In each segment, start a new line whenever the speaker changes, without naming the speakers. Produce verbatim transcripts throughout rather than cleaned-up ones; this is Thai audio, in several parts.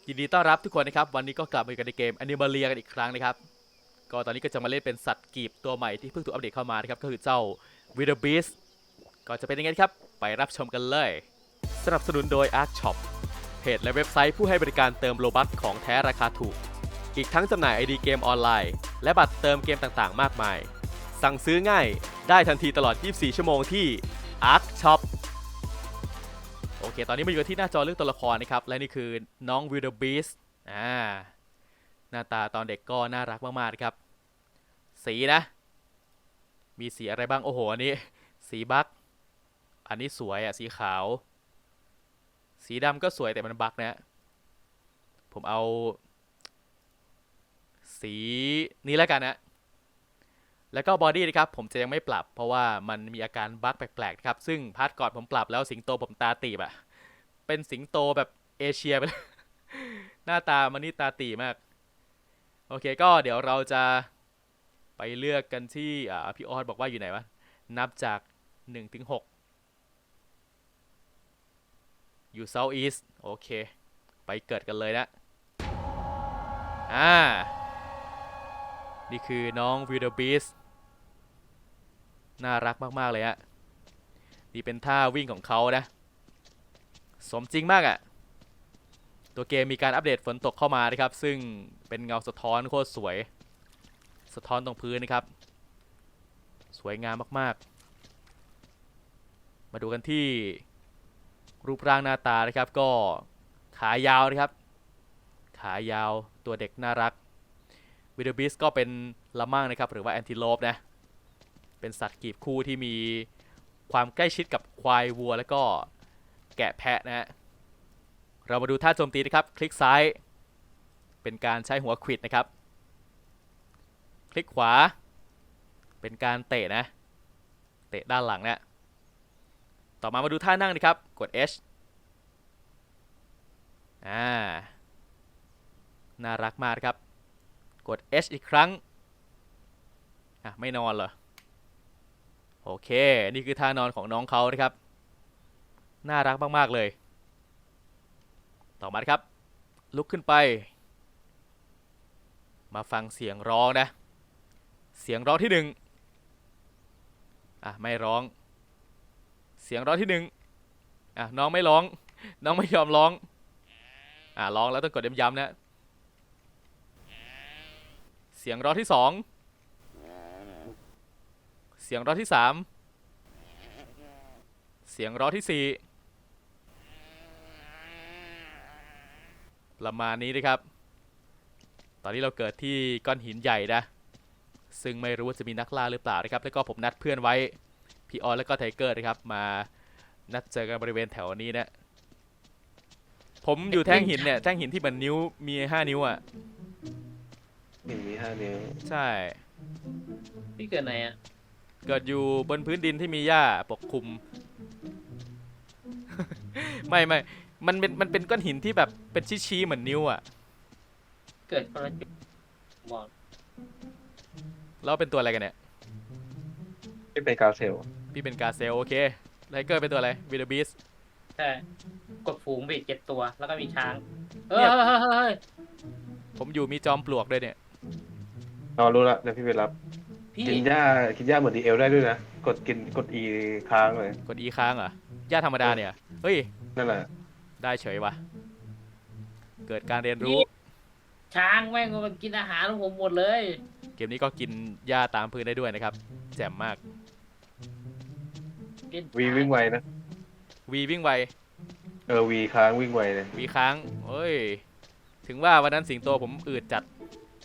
ยินดีต้อนรับทุกคนนะครับวันนี้ก็กลับมาอยู่กันในเกม Animalia กันอีกครั้งนะครับก็ตอนนี้ก็จะมาเล่นเป็นสัตว์กีบตัวใหม่ที่เพิ่งถูกอัปเดตเข้ามานะครับก็คือเจ้า Wildebeest ก็จะเป็นยังไงครับไปรับชมกันเลยสนับสนุนโดย Ark Shop เพจและเว็บไซต์ผู้ให้บริการเติมโลบัคของแท้ราคาถูกอีกทั้งจำหน่าย ไอ ดี เกมออนไลน์และบัตรเติมเกมต่างๆมากมายสั่งซื้อง่ายได้ทันทีตลอดยี่สิบสี่ชั่วโมงที่ Ark Shopโอเค ตอนนี้มาอยู่ที่หน้าจอเรื่องตัวละครนะครับ และนี่คือน้อง Wildebeest อ่า หน้าตาตอนเด็กก็น่ารักมากๆนะครับ สีนะ มีสีอะไรบ้าง โอ้โห อันนี้ สีบัคอันนี้สวยอ่ะ สีขาว สีดำก็สวยแต่มันบัคนะ ผมเอา สีนี้แล้วกันนะ แล้วก็บอดี้นะครับ ผมจะยังไม่ปรับ เพราะว่ามันมีอาการบัคแปลกๆนะครับ ซึ่งพาร์ทก่อนผมปรับแล้วสิงโตผมตาตีบอะเป็นสิงโตแบบเอเชียไปเลย หน้าตามันนี่ตาตีมาก โอเคก็เดี๋ยวเราจะไปเลือกกันที่อ่าพี่ออสบอกว่าอยู่ไหนวะ นับจากหนึ่งถึงหกอยู่ South East โอเค ไปเกิดกันเลยนะ อ่า นี่คือน้อง Wildebeest น่ารักมากๆเลยฮะนี่เป็นท่าวิ่งของเขานะ สมจริงมากอะ่ะ ตัวเกมมีการอัปเดตฝนตกเข้ามานะครับ ซึ่งเป็นเงาสะท้อนโคตรสวย สะท้อนตรงพื้นนะครับ สวยงามมากๆ มาดูกันที่รูปร่างหน้าตานะครับ ก็ขายาวนะครับ ขายาวตัวเด็กน่ารัก Wildebeest ก็เป็นละมั่งนะครับ หรือว่าแอนติโลปนะ เป็นสัตว์กีบคู่ที่มีความใกล้ชิดกับควายวัวและก็แกะแพะนะฮะ เรามาดูท่าโจมตีนะครับ คลิกซ้ายเป็นการใช้หัวขวิดนะครับ คลิกขวาเป็นการเตะนะ เตะด้านหลังนะต่อมามาดูท่านั่งนะครับ กด H อ่า น่ารักมากครับ กด H อีกครั้ง อ่ะ ไม่นอนเหรอ โอเค นี่คือท่านอนของน้องเขานะครับ น่ารักมากๆเลย ต่อมาครับ ลุกขึ้นไป มาฟังเสียงร้องนะ เสียงร้องที่หนึ่งอ่ะ ไม่ร้อง เสียงร้องที่หนึ่งอ่ะ น้องไม่ร้อง น้องไม่ยอมร้อง อ่ะ ร้องแล้วต้องกดย้ำๆนะ เสียงร้องที่สอง เสียงร้องที่สาม เสียงร้องที่สี่ประมาณนี้นะครับ ตอนนี้เราเกิดที่ก้อนหินใหญ่นะ ซึ่งไม่รู้ว่าจะมีนักล่าหรือเปล่านะครับ แล้วก็ผมนัดเพื่อนไว้ พี่ออสแล้วก็ไทเกอร์นะครับ มานัดเจอกันบริเวณแถวนี้นะ ผมอยู่แท่งหินเนี่ย แท่งหินที่เหมือนนิ้ว มีห้านิ้วอ่ะ
หนึ่งมีห้านิ้ว
ใช่
พี่เกิดไหนอ่ะ
เกิดอยู่บนพื้นดินที่มีหญ้าปกคลุม ไม่ไม่มันเป็นมันเป็นก้อนหินที่แบบเป็นชี้ๆเหมือนนิ้วอ่ะ
เกิดคนละจุดบอก
แล้วเป็นตัวอะไรกันเนี่ย
ที่เป็นกาเซล
พี่เป็นกาเซลโอเคไทเกอร์เป็นตัวอะไรวิลเดอร์บีส
ใช่กดฝูงไปอีกเจ็ดตัวแล้วก็มีช้างเออ
เนี่ย
เฮ้ยเฮ้ยเฮ้ย
ผมอยู่มีจอมปลวกด้วยเนี่ย
นอนรู้ละเดี๋ยวพี่ไปรับ
พี่
กินหญ้ากินหญ้าเหมือนดีเอลได้ด้วยนะกดกินกดอีค้างเลย
กด E ค้างเหรอหญ้าธรรมดาเนี่ยเฮ้ย
นั่นแหละ
ได้เฉยวะเกิดการเรียนรู้
พี่ช้างแม่งมันกินอาหารของผมหมดเลย
เกมนี้ก็กินหญ้าตามพื้นได้ด้วยนะครับแจ่มมาก
กิน
วี
ช้าง
วิ่งไวนะ
วีวิ่งไว
เออวีค้างวิ่งไวเลย
วีค้างเฮ้ยถึงว่าวันนั้นสิงโตผมอืดจัด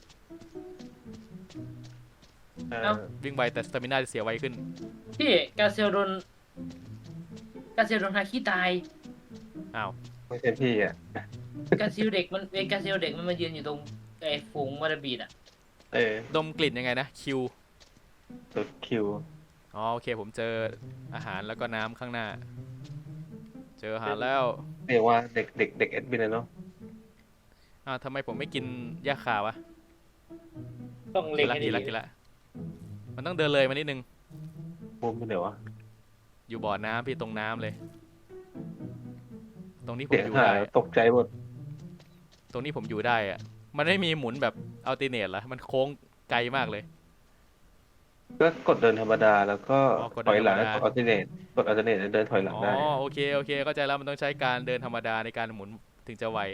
เออ
วิ่งไวแต่สตามิน่าจะเสียไวขึ้น
พี่กาเซลโดนกาเซลโดนฮาคิตาย
อ้าว
ไม่ใช่พี่อ่ะ
กาซิลเด็กมันเอกาซิลเด็กมันมายืนอยู่ตรงไอ้ฝูงวาราบีดอ่ะ
เออ
ดมกลิ่นยังไงนะคิว
ตัวคิว
อ๋อโอเคผมเจออาหารแล้วก็น้ำข้างหน้าเจออาหารแล้ว
เรียกว่าเด็กเด็กเด็กเอ็ดวินเนาะ
อ้าวทำไมผมไม่กินหญ้าขาวะ
ต้องเล็
กิน
งให้ดี
ละกินละกินละมันต้องเดินเลยมานิดนึง
มุมมันเดี๋ยววะ
อยู่บ่อน้ำพี่ตรงน้ำเลย ตรงนี้ผม
เสียง
อยู่
หา
ได้
ยตกใจหมด
ตรงนี้ผมอยู่ได้อะมันไม่มีหมุนแบบอัลติเนตเหรอมันโค้งไกลมากเลย
ก็กดเดินธรรมดาแล้วก็
อ๋อกด
ถ
เดิ
อยหลัง
นธรรมดา
กดอัลเทอร์เนทกดอัลเทอร์เนทเดินถอยหลัง
อ๋อ
ได้
โอเคโอเคเข้าใจแล้วมันต้องใช้การเดินธรรมดาในการหมุนถึงจะไว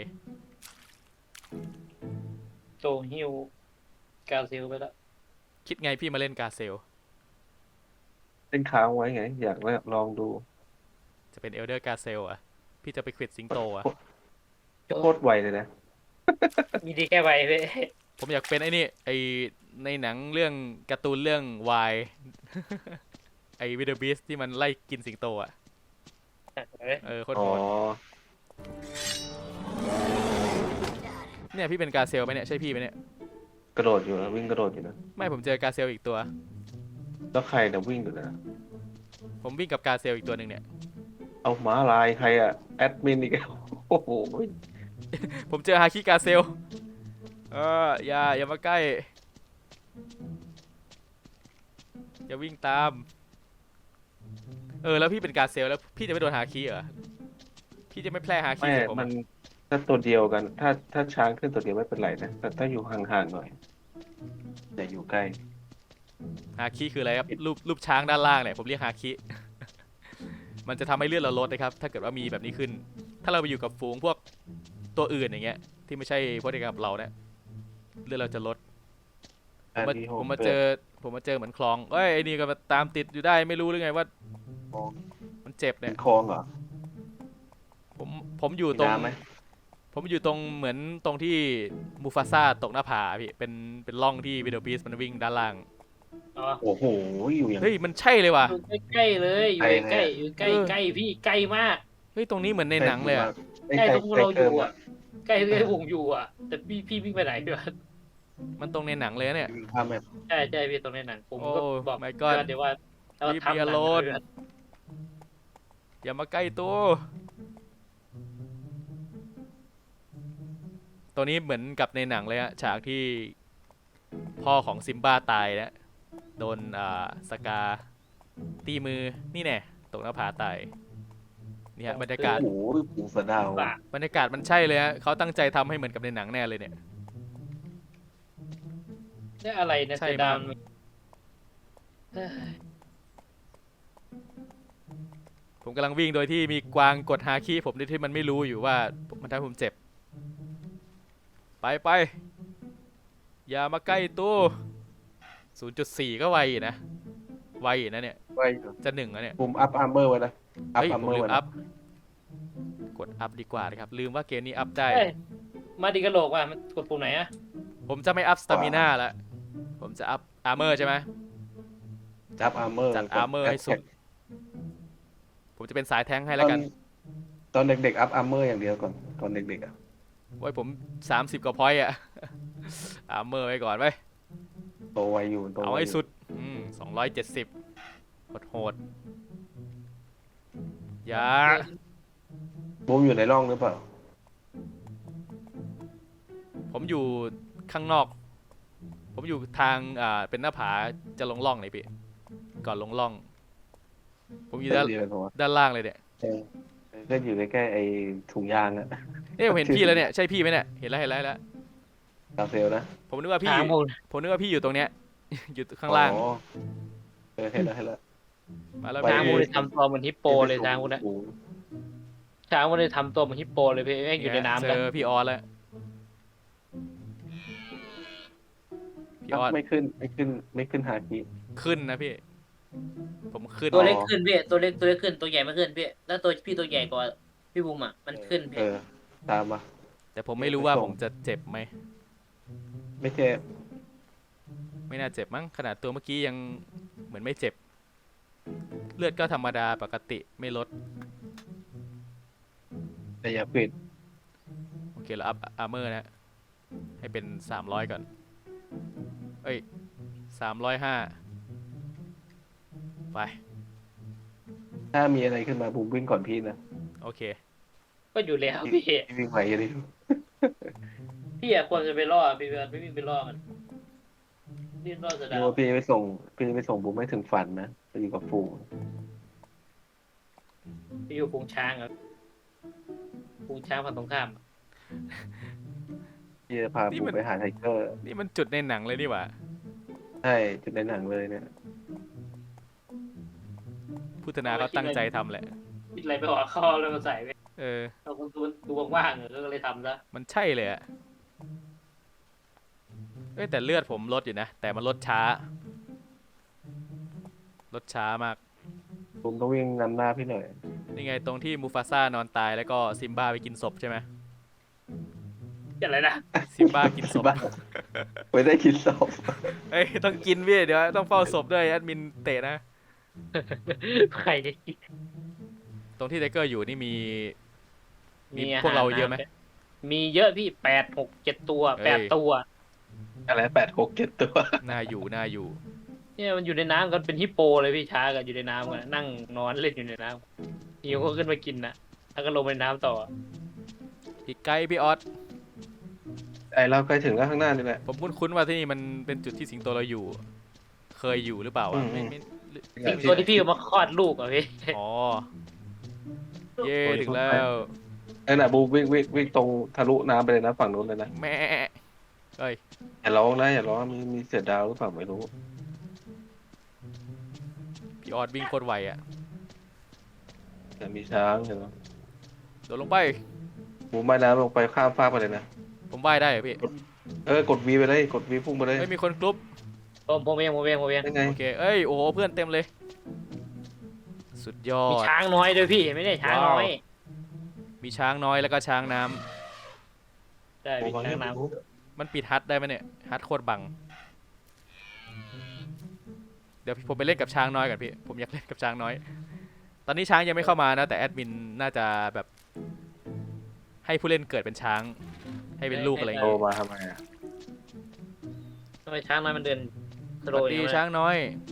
โตฮิวกาซิลไปแล้ว
คิดไงพี่มาเล่นกาเซล
เล่นค้างไว้ไง อยากลองดู
จะเป็นเอลเดอร์กาเซลอ่ะพี่จะไปควิดสิงโตอ่ะ
โคตรไวเลยนะ
มีดีแค่ใบเว้ย
ผมอยากเป็นไอ้นี่ไอในหนังเรื่องการ์ตูนเรื่องวาย ไอวิดเดอร์บีสที่มันไล่กินสิงโตอ่ะเออโคตร
อ๋อ
โหดเนี่ยพี่เป็นกาเซลไหมเนี่ยใช่พี่ไหมเนี่ย
กระโดดอยู่นะวิ่งกระโดดอยู่นะ
ไม่ผมเจอกาเซลอีกตัว
แล้วใครนะวิ่งอยู่นะ
ผมวิ่งกับกาเซลอีกตัวหนึ่งเนี่ย
เอาม้าลายใครอะแอดมินอีกแล้วโอ้โห
ผมเจอฮาคิกาเซลเอออย่าอย่ามาใกล้อย่าวิ่งตามเออแล้วพี่เป็นกาเซลแล้วพี่จะไม่โดนฮาคิเหรอพี่จะไม่แพร่ฮาคิ
ไม่
ใส่ผม
มั
อะ
นถ้าตัวเดียวกัน ถ้าถ้าช้างขึ้นตัวเดียวไม่เป็นไรนะ แต่ถ้าอยู่ห่างๆหน่อยอย่าอยู่ใกล้
ฮาคิคืออะไรครับรูปรูปช้างด้านล่างเนี่ยผมเรียกฮาคิ มันจะทำให้เลือดเราลดนะครับถ้าเกิดว่ามีแบบนี้ขึ้น ถ้าเราไปอยู่กับฝูงพวกตัวอื่นอย่างเงี้ยที่ไม่ใช่พวกเดียวกับเราเนี่ยเลือดเราจะลดผมมา
อันนี้โห
ผมมาเจอผมมาเจอเหมือนคลองเอ้ยไอ้นี่ก็มาตามติดอยู่ได้ไม่รู้หรือไงว่า
คลอง
มันเจ็บ
เป็
เนี่ย
นคลองเหรอ
ผมผมอยู่
มี
ตรง
น้ำไหม
ผมอยู่ตรงเหมือนตรงที่มูฟาซ่าตกหน้าผาพี่เป็นเป็นร่องที่วิดโอบีสมันวิ่งด้านล่าง
อ๋อ
โอ้โหอยู่อย่าง
เฮ้ยมันใช่เลยว่ะ
อยู่ใกล้ๆเลยอยู่ใกล้ๆอยู่ใกล้
เออ
ใกล้พี่ใกล้มาก
เฮ้ยตรงนี้เหมือนในหนังเลยอะ
ไม่
ใกล้
ใช่
ตรงเราอยู่
ใกล้
อ่ะใกล้ที่วงอยู่อ่ะ แต่พี่พี่วิ่งไปไหนพี่วะ
มันตรงในหนังเลยนะเนี่ย
เกินภาพแบบ
ใช่ใช่พี่ตรงในหนังผมก็
โอ้
บอก
my god
เดี๋ยวว่าเรา
Leave me
ทำหนัง
alone
เลย
อย่ามาใกล้ตัวตัวนี้เหมือนกับในหนังเลยอะฉากที่พ่อของซิมบ้าตายนะโดนอ่าสกาตีมือนี่แน่ตกหน้าผาตายนี่ฮะบรรยากาศ
โอ้โหปูสะดาว
ป่ะ
บรรยากาศมันใช่เลยฮะเขาตั้งใจทำให้เหมือนกับในหนังแน่เลยเนี่ย
นี่อะไรนะ
ใช่
เสือดาว
มาก
มันเอ้ย
ผมกำลังวิ่งโดยที่มีกวางกดฮาคิผมโดยที่มันไม่รู้อยู่ว่ามันทำให้ผมเจ็บ ไปไปอย่ามาใกล้ตู้ ศูนย์จุดสี่ ก็ไวอยู่นะ ไวอยู่นะเนี่ย
ไว้อยู่
จะหนึ่งแล้วเนี่ย
ปุ่มอัพอาร์เมอร์ไว้นะอัพ
เฮ้ย
อาร์
ผ
เม
ม
อร์
ลืม
ไว้
อั
นะ
พ กดอัพดีกว่านะครับ ลืมว่าเกมนี้อัพได้
เอ้ยมาดิกระโหลกว่ะมันกดปุ่มไหนอะ
ผมจะไม่อัพสตามิน่าแล้ว ผมจะอัพอาร์เมอร์ใช่ไหม
จับอาร์เมอร์
จัด armor ให้สุด ผมจะเป็นสายแท้งค์ให้แล้วกัน
ตอนเด็กๆอัพอาร์เมอร์อย่างเดียวก่อนตอนเด็กๆอ่ะ
โอ้ยผม สามสิบ กว่าพอยต์อะ อาร์เมอร์ไว้ก่อนไว้ย
โตไวอยู่โต
เอา
ไว
ให้
อยู่
สุด อืมสองร้อยเจ็ดสิบโหดโหดอย่า
บูมอยู่ในร่องหรือเปล่า
ผมอยู่ข้างนอก ผมอยู่ทาง อ่า เป็นหน้าผา จะลงล่องไหนพี่ ก่อนลงล่อง ผมอยู่ด้าน
เดียวกันปะวะ
ด้านล่างเลยเนี่ย
เออก็อยู่ใกล้ๆไอ้ถุงยางอะ
เอ้ยผมเห็นพี่แล้วเนี่ย ใช่พี่ไหมเนี่ย เห็นแล้วเห็นแล้วเห็นแล้ว
กาเซลนะ
ผมนึกว่าพี่
ถามผม
ผมนึกว่าพี่อยู่ตรงเนี้ย อยู่ข้างล่าง
อ๋อเออเห็นแล้วเห็นแล้ว
มาแล้ว
ไป
ช้าง
พี่
มูเลยทำตัวเหมือนฮิปโปเลยช้างมูนะ
โอ้โห
ช้างมูเลยทำตัวเหมือนฮิปโปเลยพี่แม่งอยู่ในน้ำ
เจ
กัน
อพี่ออสแล้ว พี่ออส
ไม่ขึ้นไม่ขึ้นไม่ขึ้นฮาคิ
ขึ้นนะพี่ ผมขึ้น
ตัวเล็กขึ้นพี่ตัวเล็กตัวเล็กขึ้นตัวใหญ่ไม่ขึ้นพี่แล้วตัวพี่ตัวใหญ่กว่าพี่บูมอ่ะมันขึ้น
เอ
พี่
อตามมา
แต่ผมไม่รู้ว่าผมจะเจ็บไหม
ไม่ใช่
ไม่น่าเจ็บมั้ง ขนาดตัวเมื่อกี้ยังเหมือนไม่เจ็บ เลือดก็ธรรมดาปกติไม่ลด
แต่อย่าปิด
โอเคแล้วอัพอาร์เมอร์นะ ให้เป็นสามร้อยก่อน เอ้ยสามร้อยห้าไป
ถ้ามีอะไรขึ้นมาบูมวิ่งก่อนพี่นะ
โอเค
ก็อยู่แล้วพี่
พี่วิ่งไหวอยู่ดิ
พี่อะควรจะไปล่อพี่เบิร์ดไม่วิ่งไปล่อมันนี่ล่อเสือ
พี่
ดาว
ว่าพี่ไปส่งพี่ไปส่งบูมไม่ถึงฝันนะไปอยู่กับฝูง
พี่อยู่ฝูงช้างอะฝูงช้างฝั่งตรงข้าม
ผ
พี่จะพา
นี่
บู
มัน
ไปหาไทเกอร์
นี่มันจุดในหนังเลยนี่หว่า
ใช่จุดในหนังเลยเนี่ย
พุทธนาเขาตั้งใจทำแหละ
คิดอะไรไปออกข้อเลยมาใส่ไป
เออ
เราคงดูดูว่างๆเออก็เลยทำซะ
มันใช่เลยอะเอ้ยแต่เลือดผมลดอยู่นะ แต่มันลดช้า ลดช้ามาก
บูมต้องวิ่งนำหน้าพี่หน่อย
นี่ไงตรงที่มูฟาซ่านอนตายแล้วก็ซิมบ้าไปกินศพใช่ไหม
อะไรนะ
ซิมบ้ากินศพ
บ้าไม่ได้กินศพ
เอ้ยต้องกินพี่เดี๋ยวต้องเฝ้าศพด้วยแอดมินเตะนะ
ใครจะกิน
ตรงที่ไทเกอร์อยู่นี่มี มี
อ
พวกเราเยอะไหม
มีเยอะพี่แปดหกเจ็ดตัว
เอ้ย
แปดตัว
อะไรแปดหกเจ็ดตัว
น่าอยู่น่าอยู่
เนี่ยมันอยู่ในน้ำกันเป็นฮิปโปเลยพี่ช้ากันอยู่ในน้ำกันนั่งนอนเล่นอยู่ในน้ำหิวก็ขึ้นมากินนะแล้วก็ลงไปในน้ำต่อ
พี่ไกด์พี่ออส
ไอเราใกล้ถึงแล้วข้างหน้านี่แหละ
ผมคุ้นๆว่าที่นี่มันเป็นจุดที่สิงโตเราอยู่ เคยอยู่หรือเปล่า
อื
อะ
ม
ไม่ไม่
สิงตัวที่พี่เอามาคลอดลูกอ่ะพี่
อ๋อ เย่ถึงแล้ว
ไอ้น่ะบูมวิ่งวิ่งวิ่งตรงทะลุน้ำไปเลยนะฝั่งนู้นเลยนะ
แม่เอ้ย
อย่าร้องนะอย่าร้องมีมีเสือดาวหรือเปล่าไม่รู้
พี่ออสวิ่งโคตรไวอะ
แต่มีช้างเห็นไหม
โดดลงไป
บูมว่ายน้ำลงไปข้ามฟากไปเลยนะ
ผมว่ายได้เหรอพี่
เออกดวีไปเลยกดวีพุ่งไปเลย
เฮ้ยมีคนกรุ๊ป
ผมผมเองผมเองผมเอง
ได้ไง
โอเค เอ้ย โอ้โห เพื่อนเต็มเลย สุดยอ
มี
ด
ช้างน้อยด้วยพี่ไม่ได้ช้างน้อย
ว้าว มีช้างน้อยแล้วก็ช้างน้ำ
ได้มีช้างน้
มันปิดฮัทได้ไหมเนี่ย ฮัทโคตรบัง เดี๋ยวผมไปเล่นกับช้างน้อยก่อนพี่ ผมอยากเล่นกับช้างน้อย ตอนนี้ช้างยังไม่เข้ามานะ แต่แอดมินน่าจะแบบ ให้ผู้เล่นเกิดเป็นช้าง ให้เป็นลูกอะไรอย่าง
โต
เงี้ย
มาทำไมอะ
ำทำไมช้างน้อยมันเดินส
ส
โล
วัส
ว์อ
ดี
ย่างนี้
ช้างน้อย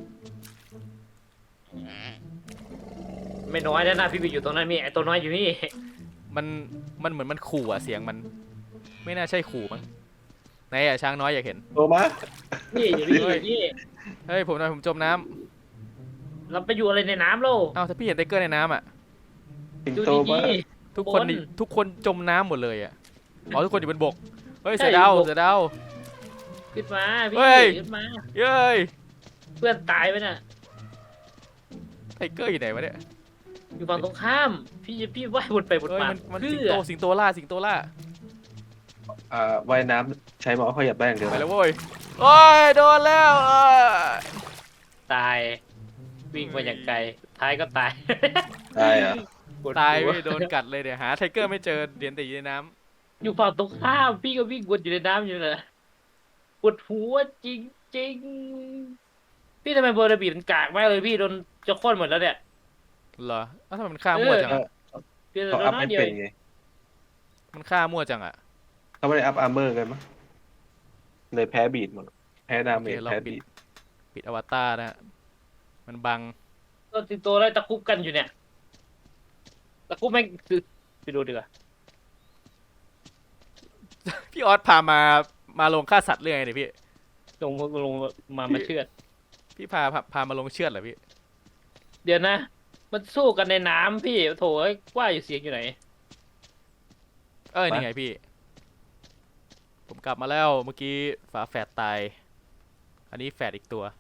ไม่น้อยแล้วนะพี่ไปอยู่ตรงนั้นมีไอตัวน้อยอยู่นี่
มันมันเหมือนมันขู่อะเสียงมัน ไม่น่าใช่ขู่มั้งไหนอะช้างน้อยอยากเห็น
โตมา
นี่อยู่นี่อยู่นี่
เฮ้ยผมหน่อยผมจมน้ำ
เราไปอยู่อะไรในน้ำโล
เอ้าถ้าพี่เห็นไทเกอร์ในน้ำอะ
สิง
ดู
โตมา
ดี
ทุกคน
บน
นี่ทุกคนจมน้ำหมดเลยอะอ๋อทุกคนอยู่บนบก เฮ้ย
ใช่
เสือดาว
บนบก
เสือดาว
ๆขึ้นมาพี่
เฮ้ย
ขึ้นมา
เย้ย
เพื่อนตายไปน่ะ
ไทเกอร์อยู่ไหนวะเนี่ย
อยู่ฝั่งตรงข้าม พี่พี่ว่ายวนไปวน
เฮ้ย
มา
มันมัน
เพื่
สิง
อ
โตสิงโตล่าสิงโตล่า
อ่าว่ายน้ำใช้หมอขยับได้อย่างเดียว
ไป
นะ
แล้วเว้ยโอ้ยโดนแล้วเอ้ย
ตาย วิ่งมาอย่างไกลท้ายก็ตาย
ได้อะ
ปวด
ตาย
หัว
พี่โดนกัดเลยเดี๋ยวหาไทเกอร์ไม่เจอเดียนแต่อยู่ในน้ำ
อยู่ฝั่งตรงข้ามพี่ก็วิ่งวนอยู่ในน้ำอยู่เลยปวดหัวจริงจริงๆพี่ทำไมเบอร์ระบีมันกากมากเลยพี่โดนจะโค่นหมดแล้วเนี่ย
เหรอเอ้าทำไมมันฆ่ามั่วจัง
เอ
อะ
อ
พี่โด
เขา
น
อัพ
น้อ
ไม่
ยเดียว
เป็น
เอง
ไง
มันฆ่ามั่วจังอะ
เขาไม่ได้อัพอาร์เมอร์กันมั้งเลยแพ้บีดหมดแพ้ดา
โอ
เม
เค
จ
เรา
แพ้
ปิ
บี
ด
ด
ปิดอวตารนะฮะมันบัง
ตัวติดตัวแล้วตะคุบกันอยู่เนี่ยตะคุบแม่งคือไปดูดีกว่า
พี่ออสพามามาลงฆ่าสัตว์เรื่องไงเนี่ยพี่
ลงลงมามาเชือด
พี่พาพาพามาลงเชือดเหรอพี่
เดี๋ยวนะ มันสู้กันในน้ำพี่โถเอ้ยว่าอยู่เสียงอยู่ไหน
เอ้ยนี่ไงพี่ ผมกลับมาแล้วเมื่อกี้ฝาแฝดตาย อันนี้แฝดอีกตัว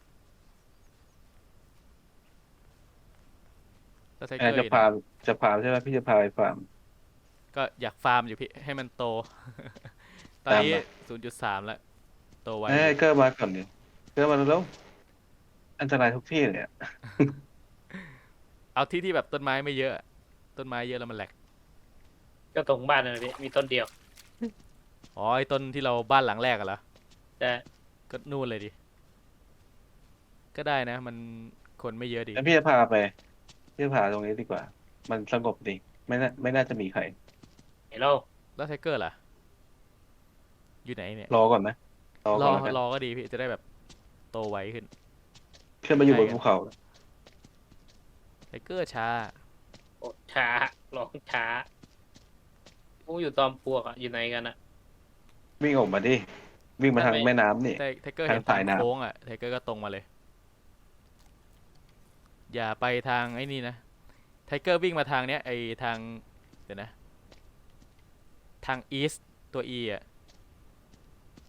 แล้วไท
แอ
เกอ
ร์
ร์
จะ
อยู่ไหน
ฟาร์มจะฟาร์มใช่ไหมพี่จะพาไปฟาร์ม
ก็อยากฟาร์มอยู่พี่ให้มันโต ตอนนี้
ตามมา
ศูนย์จุดสามแล้ว โตไว
เอ้ยเกอร์มาก่อนดิเกอร์มาแล้วอันตรายทุกที่เลยอะ
เอาที่ที่แบบต้นไม้ไม่เยอะ ต้นไม้เยอะแล้วมันแหลก
ก็ตรงบ้านนั่นแหละพี่มีต้นเดียว
อ๋อไอ้ต้นที่เราบ้านหลังแรกอะเหรอ
แต่
ก็นู่นเลยดิ ก็ได้นะ มันคนไม่เยอะดี
แล้วพี่จะพาไปพี่จะพาตรงนี้ดีกว่า มันสงบดีไม่น่าไม่น่าจะมีใคร
เห็นเรา
แล้วไทเกอร์ล่ะ อยู่ไหนเนี่ย
รอก่อนไหมรอ
ร
ก่
อ
อนแล้วกัน
รอก็ดีพี่จะได้แบบโตไวขึ้น
ขึ้นมาอยู่บนภูเขา
ไทเกอร์ช้า
โอ้ช้าร้องช้าพวกอยู่ตอมปลวกอะอยู่ไหนกันอะ
วิ่งออกมาดิวิ่งมาทาง
ทำไม
แม่น้ำนี่
ไทไทเกอร์
ทาง
เห็น
สา
ทาย ง
น้ำ
โค้งอ่ะไทเกอร์ก็ตรงมาเลย อย่าไปทางไอ้นี่นะไทเกอร์วิ่งมาทางเนี้ยไอทางเดี๋ยวนะ ทางอีสตัว E อ่ะ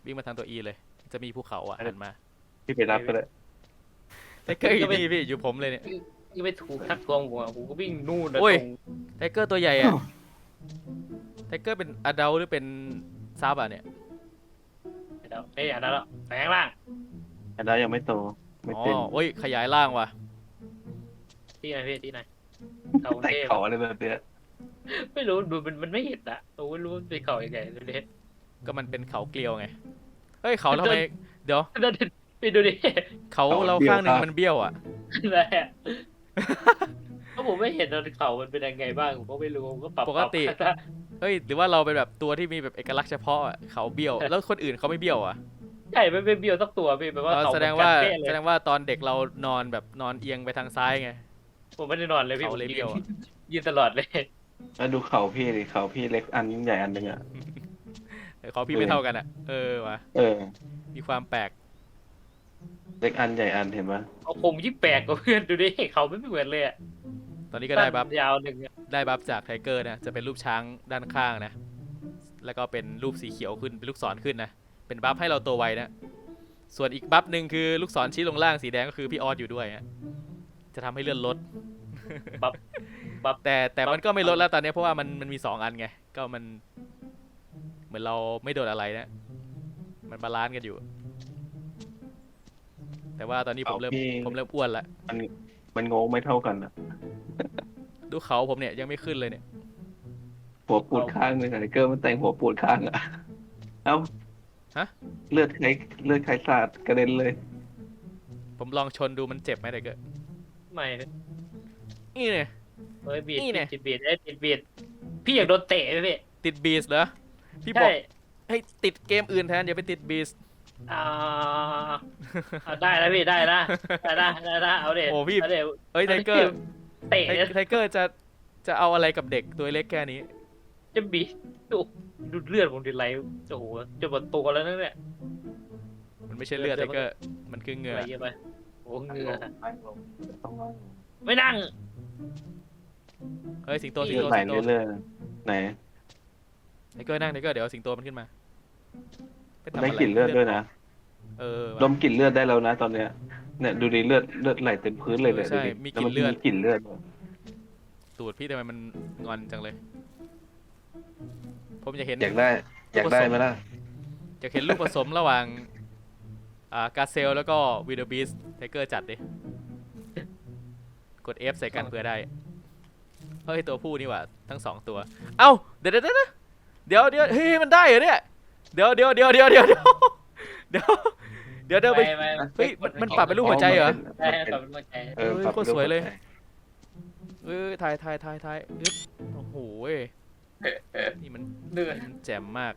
วิ่งมาทางตัว E เลย จะมีภูเขาอ่ะหันมา
พี่ไปรับก็ได้
ไทเกอร์อยู่นี่พี่อยู่ผมเลยเนี่ย
ยังไปถูกทักทวงผมอะผมก็วิ่งนู่นนะ
โอ้ย
ตรง
ไทเกอร์ตัวใหญ่อะไทเกอร์เป็นอดัลหรือเป็นซับอ่ะเนี่ย
เดี๋ยวไม่อยากได้แล้วแปลงร่าง
อันนั้นยังไม่โตไม่
อ๋อ
เป็น
โอ้ยขยายร่างว่ะ
ที่ไหนพี่ที่ไหนเขา
แต่
เทพ
เขาอะไรแบบเนี้ย
ไม่รู้ดูมันมันไม่เห็นอะผมไม่รู้มันเป็นเขายังไงดูดิ
ก็มันเป็นเขาเกลียวไง เฮ้ยเขาทำไม เดี๋ยว
นั่นไปดูดิ
เขาเราข้างหนึ่งมันเบี้ยวอ่ะ
อะไรอะก็ผมไม่เห็นตอนเขามันเป็นยังไงบ้างผมก็ไม่รู้ผมก็ปรับ
ปกติ
ปรับ
เฮ้ยหรือว่าเราเป็นแบบตัวที่มีแบบเอกลักษณ์เฉพาะอะเขาเบี้ยว แล้วคนอื่นเขาไม่เบี้ยวอ่ะ
ใช่ไม่เป็นเบี้ยวสักตัวพี่แปลว่า
เออ
เขา
แสดงว่า
เหมือนกันเป๊ะเลย
แสดงว่าตอนเด็กเรานอนแบบนอนเอียงไปทางซ้ายไง
ผมไม่ได้นอนเลยพี่
เขาเลย
ผม
เบี้ยวอะ
ยืนตลอดเลย
แล้วดูเขาพี่ดิเขาพี่เล็กอันยิ่งใหญ่อันหนึ่งอ่ะ
แต่เขาพี่ไม่เท่ากันอ่ะ เออว่ะ
เออ
มีความแปลก
เล็กอันใหญ่อันเห็นปะ
เอาผมยิ่งแปลกกว่าเพื่อนดูดิเขาไม่เหมือนเลยอะ
ตอนนี้ก็ได้บัฟ
ยาวหนึ่งอะ
ได้บัฟจากไทเกอร์นะ จะเป็นรูปช้างด้านข้างนะ แล้วก็เป็นรูปสีเขียวขึ้น เป็นลูกศรขึ้นนะ เป็นบัฟให้เราตัวไวนะ ส่วนอีกบัฟหนึ่งคือลูกศรชี้ลงล่างสีแดงก็คือพี่ออสอยู่ด้วยฮะจะทำให้เลื่อนลด
บัฟบัฟ
แต่แต่มันก็ไม่ลดแล้วตอนนี้เพราะว่ามันมันมีสองอันไง ก็มัน เหมือนเราไม่โดนอะไรนะ มันบาลานซ์กันอยู่ แต่ว่าตอนนี้ผมเริ่มผมเริ่มอ้วนละ
มันมันงงไม่เท่ากันอ่ะ
ดูเขาผมเนี่ยยังไม่ขึ้นเลยเนี่ย
หัวปูดข้างหนึงไอ้เกอร์มันแต่งหัวปูดข้างอ่ะ เอ้า
ฮะ
เลือดใครเลือดใครสาดกระเด็นเลย
ผมลองชนดูมันเจ็บไหมไทเกอร์
ไม่
นี่เนี่ย
เฮ้ยบีด
นี่ไง
ติดบีดเอ้ยติดบีดพี่อยากโดนเตะไหมพี่
ติดบีสเหรอ พี่บอ
ใช่
กให้ติดเกมอื่นแทนอย่าไปติดบีส
อ่าเอาได้แล้วพี่ได้นะได้นะได้นะเอาเด็ด
โอ้พี่
เอาเด็ด
เอ้ยไทเกอร์
เตะ
ไท
เนี่ย
ไทเกอร์จะจะเอาอะไรกับเด็กตัวเล็กแค่นี้
จะบีดดูดูเลือดผมดิไหลโอ้โหจะหมดตัวแล้วนั่นเนี่ย
มันไม่ใช่เลือดไทเกอร์ มันคือเหงื่อ
ไหลเยอะไปโอ้เหงื่อ
ต้องนั่ง
ไม่นั่ง
เฮ้ยสิงโตสิง
เลือด
โต
ไหล
สิงโต
เรื่อยๆไหน
ไทเกอร์นั่งไทเกอร์เดี๋ยวสิงโตมันขึ้นมาปทำ
ได้
อะไร
กลิ่นเลือดด้วยนะ
เออ
ดมกลิ่นเลือดได้แล้วนะตอนเนี้ยเนี่ยดูดิเลือดเลือดไหลเต็มพื้นเลยเนี่ย
เออใช่
ดูดิ
มี
แล้วมัน
กลิ่นเลือด
มีกลิ่นเลือดด้วย
ตูดพี่ทำไมมันงอนจังเลย ผมจะเห็น
อยากได้ อยากได้ไหมล่ะ
จะเห็นลูกผสมระหว่างอ่ากาเซลแล้วก็วีเดอร์บีสไทเกอร์จัดดิ กด F ใส่กันเพื่อได้ เฮ้ยตัวผู้นี่หว่าทั้งสองตัว เอ้าเดี๋ยวเดี๋ยวเดี๋ยวเดี๋ยวเดี๋ยวเฮ้ยมันได้เหรอเนี่ยเดี๋ยวเดี๋ยวเดี๋ยวเดี๋ยวเดี๋ยวเดี๋ยวเดี๋ยวเดี๋ยวเดี๋ยวไป
ไม่ไม่
เฮ้ยมันมันปรับเป็นรูปหัวใจเหรอ
ใช่ปรับเป็นหัวใจ
เออ
เฮ้ย
ปรับ
โคตรสวยเลย
รูปหัใจ
เอ้ยถ่ายถ่ายถ่ายถ่ายอึ๊บโอ้โหเว้ยนี่มัน
เดือด
มันแจ่มมาก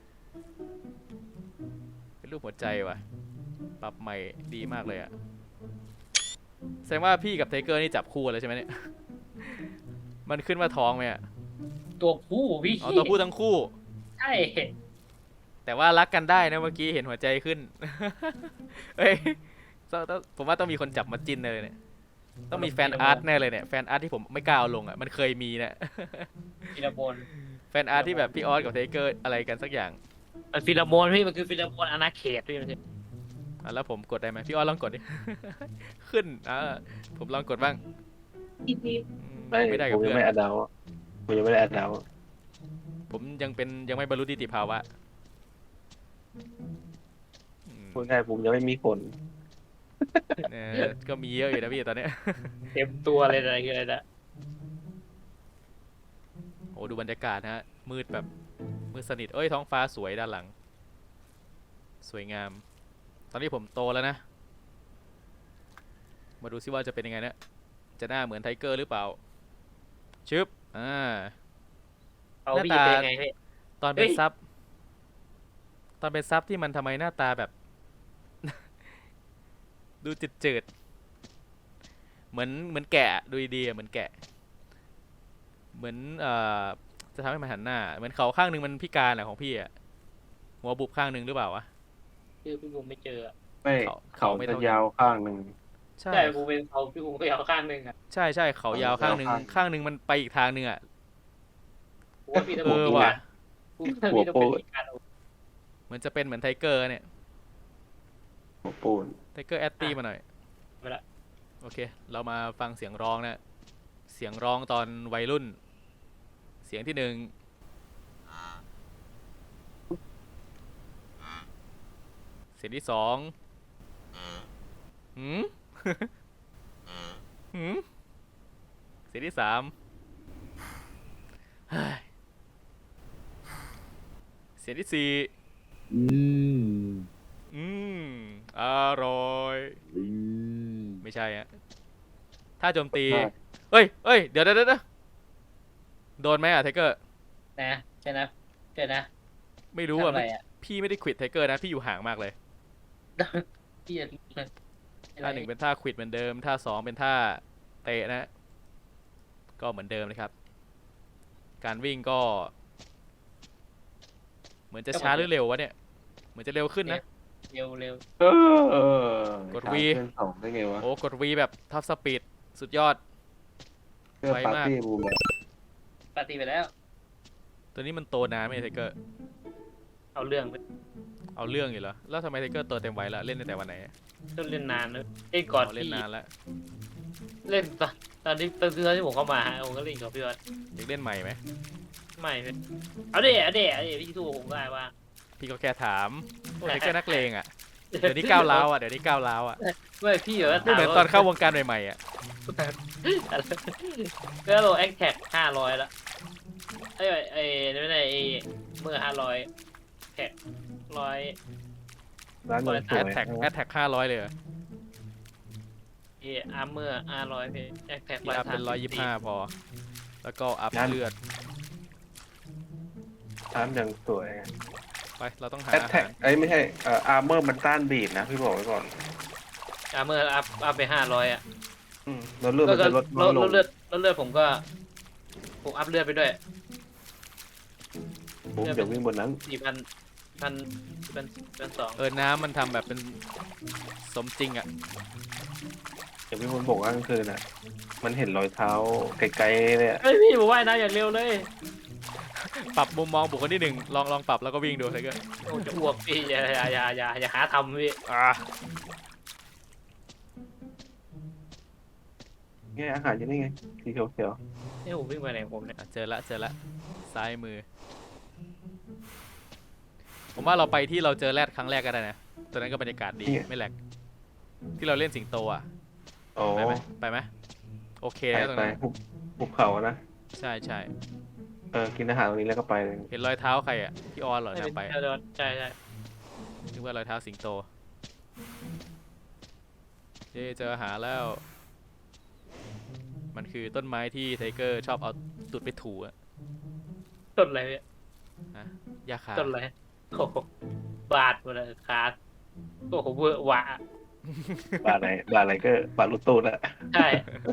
เป็นรูปหัวใจว่ะ ปรับใหม่ดีมากเลยอะแสดงว่าพี่กับไทเกอร์นี่จับคู่กันเลยใช่ไหมเนี่ย มันขึ้นว่าท้องไหมอะ
ตัวผู้พี่
เอาตัวผู้ทั้งคู่
ใช่
แต่ว่ารักกันได้นะเมื่อกี้เห็นหัวใจขึ้น เฮ้ยต้องต้องผมว่าต้องมีคนจับมาจิ้นเลยเนี่ย ต้องมีแฟนอาร์ตแน่เลยเนี่ย แฟนอาร์ตที่ผมไม่กล้าเอาลงอ่ะ มันเคยมีนะ
ฟิลาโมน
แฟนอาร์ตที่แบบพี่ออสกับไทเกอร์อะไรกันสักอย่าง
มันฟิลาโมนพี่มันคือฟิลาโมนอาณาเขตพี่มัน
อ่ะแล้วผมกดได้ไหมพี่ออสลองกดดิ ขึ้นอ่าผมลองกดบ้างอืม
ไม่
ไม่ได้
ผ
กับ
มยั
เพื่
ง
อน
ไม่อัดดาวผมยังไม่ได้อัดดาว
ผมยังเป็นยังไม่บรรลุนิติภาวะอืม
พูดง่ายผมยังไม่มีผล
เออก็มีเยอะอยู่นะพี่ตอนเนี้ย
เต็มตัวเลยอะไรคืออะไรนะ
โอ้ดูบรรยากาศนะฮะมืดแบบมืดสนิทเอ้ยท้องฟ้าสวยด้านหลัง สวยงาม ตอนนี้ผมโตแล้วนะ มาดูซิว่าจะเป็นยังไงนะจะหน้าเหมือนไทเกอร์หรือเปล่าชึบอ่า
เอาพี่
หน้าตา
เป็นไงพี่
ตอนเป็น
เฮ้ย
ซับตอนเป็นซับที่มันทำไมหน้าตาแบบ ดูจืดๆเหมือนเหมือนแกะดูดีๆอะเหมือนแกะ เหมือนเอ่อจะทำให้มันหันหน้า เหมือนเขาข้างหนึ่งมันพิการอะของพี่อะหัวบุบข้างหนึ่งหรือเปล่าวะ
คือพี่บุ๋มไม่เจอ
ไม่
เขา
เขา
ไม่
จะ
เท่ากัน
ยาวข้างหนึ่ง
ใช่
ใช่บุ๋มเป็นเขาพี่บุ๋มไปเอาข้างหนึ่งอ่ะ
ใช่ใช่เขายาวข้างหนึ่ง
ข้าง
ข้างหนึ่งมันไปอีกทางหนึ่งอะ
ผมว่าพี่ต้อง
เออ
เป็น
ว่ะ
ผมว่าพี่ต้องเป็นพิการ
เหมือนจะเป็นเหมือนไทเกอร์เนี่ย
หัวปูน
ไทเกอร์แอตตี้มาหน่อย
ไปละ
โอเค เรามาฟังเสียงร้องนะ เสียงร้องตอนวัยรุ่น เสียงที่หนึ่ง เสียงที่สองหืม หืม เสียงที่สามเฮ้ยเสียงที่สี่
อืม
อืม อร่อย
อืม
ไม่ใช่อะถ้าโจมตี เอ้ยเอ้ย เดี๋ยวเดี๋ยวเดี๋ยวโดนไหมอะไทเกอร์
นะใช่นะใช่นะ
ไม่รู้
ทำ
อ่ะ
อะไรอ่ะ
พี่ไม่ได้ควิดไทเกอร์นะ พี่อยู่ห่างมากเลย
พี่จะ
ท่าหนึ่งเป็นท่าควิดเหมือนเดิม ท่าสองเป็นท่าเตะนะ ก็เหมือนเดิมนะครับ การวิ่งก็ เหมือนจะช้าหรือเร็ววะเนี่ย เหมือนจะเร็วขึ้นนะ
เร็วเร็ว
เออก
ด V
เพื่อนสองได้ไงวะ
โอ้กด V แบบท็อปสปีดสุดยอด
เพื่อ
ไว
ปาร์
มาก
ตี้บูมแบบ
ปฏิไปแล้ว
ตัวนี้มันโตนานไหมไทเกอร์
เอาเรื่องไป
เอาเรื่องอยู่เหรอ แล้วทำไมไทเกอร์โตเต็มวัยแล้ว เล่นตั้งแต่วันไหนอะ
ต้องเล่นนานนะเล่นก่อน
อ๋อเล่น
พี่
นานแล้ว
เล่นตอนตอนที่ตอนที่ตอนที่ผมเข้ามาฮะผมก็เล่นกับพี่วัด
อยากเล่นใหม่ไหม
ไม่พี่เอาเดี๋ยวเอาเดี๋ยวเอาเดี๋ยวพี่สู้ผมได้ว่า
พี่ก็แค่ถามโอ้ไทเกอร์นักเลงอ่ะ เดี๋ยวนี้ก้าวร้าวอ่ะ เดี๋ยวนี้ก้าวร้าวอ่ะ
ไม่พี่แบบว่า
ไม่เหมือนตอนเข้าวงการใหม่ๆอ่ะ
ก็โลแอคแท็กห้าร้อยละไอ้ไอ้ไอ้ไม่ได้ไอ้เมื่อห้าร้อยแท็กร้อย
ร้านหนึ่งส
แอ
วย
ดแท็กแอดแท็กห้าร้อยเลยเหรอ
เออาร์เมอร์ห้าร้อยพี่แอคแท็ก
พี่อัพเป็นร้อยยี่สิบห้าพอ แล้วก็อัพเลือด
ร้านยังสวย
ไป เราต้องหา
แอต
อา
แท็ก
หาร
ไอ้ยไม่ใช่เอ่ออาร์เมอร์มันต้านบีดนะพี่บอกไว้ก่อน
อาร์เมอร์อัพอัพไปห้าร้อยอ่ะ
อืมแล้วเลือดมันจะลด
ล
ล
ด
ดลง
เลือดลดเลือดผมก็ผมอัพเลือดไปด้วย
บูมเดี๋ยววิ่งบนนั้น
สี่พันพันพันพันสอง
เออ น้ำมันทำแบบเป็นสมจริงอ่ะ
เดี๋ยววิ่งบนบกกลางคืนอ่ะ มันเห็นรอยเท้าไกลๆเลยอะ
เฮ้ยพี่ผมว่ายน้ำอย่างเร็วเลย
ปรับมุมมองบุคคลที่หนึ่งลองลองปรับแล้วก็วิ่งดูไทเกอร์
โอ้จะอ้วกพี่อย่าอย่าอย่าอย่าอย่าหาทำพี่
อ่า
ไงอาหารยังไงไงสีเขียว
นี่ผมวิ่งไปไหนของผมเนี่ย
อ่ะเจอละเจอละซ้ายมือ ผมว่าเราไปที่เราเจอแรดครั้งแรกก็ได้นะตอนนั้นก็บรรยากาศดีไม่แหลกที่เราเล่นสิงโตอ่ะ
ๆโอ้
ไปไหมไปไหมโอเค
ไป
แล้วตรง
ไป
นั้น
หุบหุบเขานะ
ใช่ใช่
เออกินอาหารตรงนี้แล้วก็ไปเลย
เห็นรอยเท้าใครอ่ะพี่ออนเหรอ
ไม่เป็น
นำไป
เดินใช่ใช่
นึกว่ารอยเท้าสิงโตเย้เจออาหารแล้ว มันคือต้นไม้ที่ไทเกอร์ชอบเอาตุดไปถูอะ
ต้นอะไรพี่
ฮะยาคา
ต้นอะไรโอ้โหบาดหมดเลยขาดโอ้โหเวอร์หวะ
บาอะไรบาอะไรก็บาลุตูดอะ
ใช่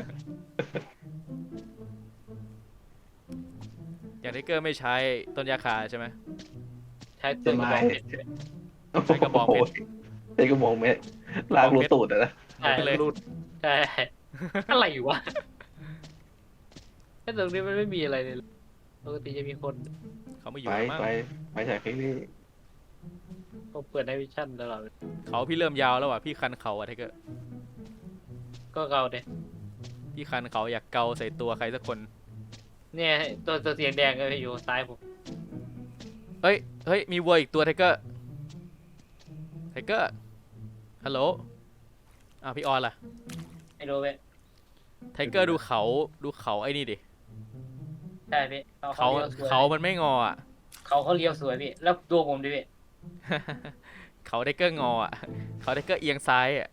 อย่างไทเกอร์ไม่ใช้ต้นยาคาใช่ไหม
ใช้ต้นกระบอกเพชร
ใช้กระบองเพชร
ใช้กระบอกเพชรลากรูตูดอะนะ
ใช่
เลย
รูดใช่อะไรวะแค่ตรงนี้มันไม่มีอะไรเลยปกติจะมีคน
เขาไม่อยู่
ไป
แล้วมั้ง
ไปไปจากที่นี่
เขาเปิดในวิชั่นตลอด
เขาพี่เริ่มยาวแล้วว่ะพี่คันเขาอะไทเกอร์
ก็เกาเด็
พี่คันเขาอยากเกาใส่ตัวใครสักคน
เนี่ยตัวตัวเสียงแดงก็อยู่ซ้ายผม
เฮ้ย เฮ้ย มีวัวอีกตัวไทเกอร์ ไทเกอร์ ฮัลโหล อ้าวพี่ออนล่ะ
ไอ้โรเว้ย
ไทเกอร์ดูเขา ดูเขาไอ้นี่ดิ
ใช่พี่เขา
เขา
เลี้ยวสวย
เขามันไม่งออ่ะ
เขาเขาเลี้ยวสวยพี่แล้วตัวผมดิพี่
เขาไทเกอร์งออ่ะ เขาไทเกอร์เอียงซ้ายอ่ะ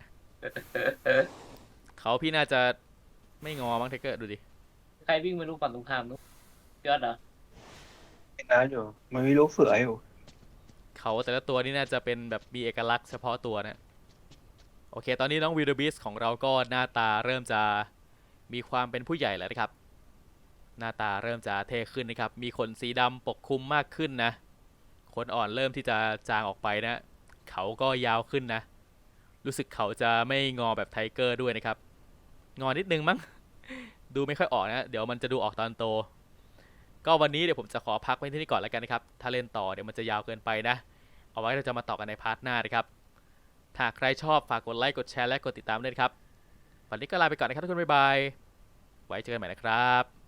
เขาพี่น่าจะไม่งอมั้งไทเกอร์ดูดิ
ใครวิ่งไม่รู้ฝั่งตรงข้ามนู้นยอดเหรอ
กินน้ำอยู่ มันมีลูกเสืออยู่
เขาแต่ละตัวนี่น่าจะเป็นแบบมีเอกลักษณ์เฉพาะตัวนะ โอเค ตอนนี้น้องวีดบิสของเราก็หน้าตาเริ่มจะมีความเป็นผู้ใหญ่แล้วนะครับ หน้าตาเริ่มจะเท่ขึ้นนะครับ มีขนสีดำปกคลุมมากขึ้นนะ ขนอ่อนเริ่มที่จะจางออกไปนะ เขาก็ยาวขึ้นนะ รู้สึกเขาจะไม่งอแบบไทเกอร์ด้วยนะครับ งอนิดนึงมั้ง ดูไม่ค่อยออกนะ เดี๋ยวมันจะดูออกตอนโต ก็วันนี้เดี๋ยวผมจะขอพักไว้ที่นี่ก่อนแล้วกันนะครับ ถ้าเล่นต่อเดี๋ยวมันจะยาวเกินไปนะ เอาไว้เราจะมาต่อกันในพาร์ทหน้านะครับถ้าใครชอบฝากกดไลค์กดแชร์และกดติดตามด้วยนะครับวันนี้ก็ลาไปก่อนนะครับทุกคนบ๊ายบายไว้เจอกันใหม่นะครับ